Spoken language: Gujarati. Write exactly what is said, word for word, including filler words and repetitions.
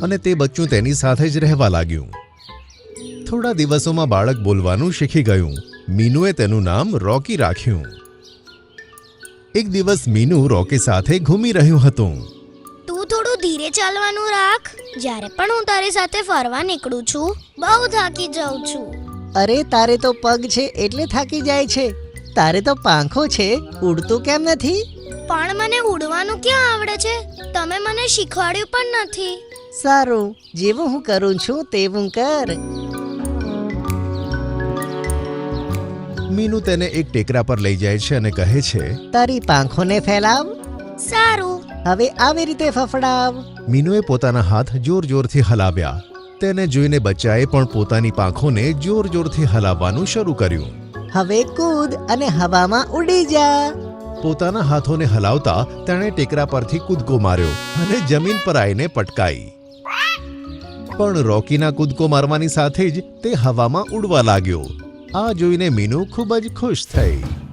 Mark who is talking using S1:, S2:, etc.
S1: અને તે બચ્ચું તેની સાથે જ રહેવા લાગ્યું. થોડા દિવસોમાં બાળક બોલવાનું શીખી ગયું. મીનુએ તેનું નામ રોકી રાખ્યું. એક દિવસ મીનુ રોકી સાથે ઘૂમી રહ્યું હતું.
S2: તું થોડું ધીરે ચાલવાનું રાખ. જ્યારે પણ હું તારી સાથે ફરવા નીકળું છું બહુ થાકી જાઉં છું.
S3: અરે તારે તો પગ છે એટલે થાકી જાય છે. તારે તો પાંખો છે, ઉડતું કેમ નથી?
S2: પણ મને ઉડવાનું ક્યાં આવડે છે? તમે મને શીખવાડ્યું પણ નથી.
S3: સારું, જેવું હું કરું છું તેવું કર.
S1: મીનુ તેને એક ટેકરા પર લઈ જાય છે અને કહે છે,
S3: તારી પાંખોને ફેલાવ.
S2: સારું.
S3: હવે આવી રીતે ફફડાવ.
S1: મીનુએ પોતાના હાથ જોર જોરથી હલાવ્યા. તેને જોઈને બચ્ચાએ પણ પોતાની પાંખોને જોર જોરથી હલાવવાનું શરૂ કર્યું.
S3: હવે કૂદ અને હવામાં ઉડી જા.
S1: પોતાના હાથોને હલાવતા તેણે ટેકરા પરથી કૂદકો માર્યો અને જમીન પર આવીને પટકાઈ. પણ રોકીના કૂદકો મારવાની સાથે જ તે હવામાં ઉડવા લાગ્યો. આ જોઈને મીનુ ખૂબ જ ખુશ થઈ.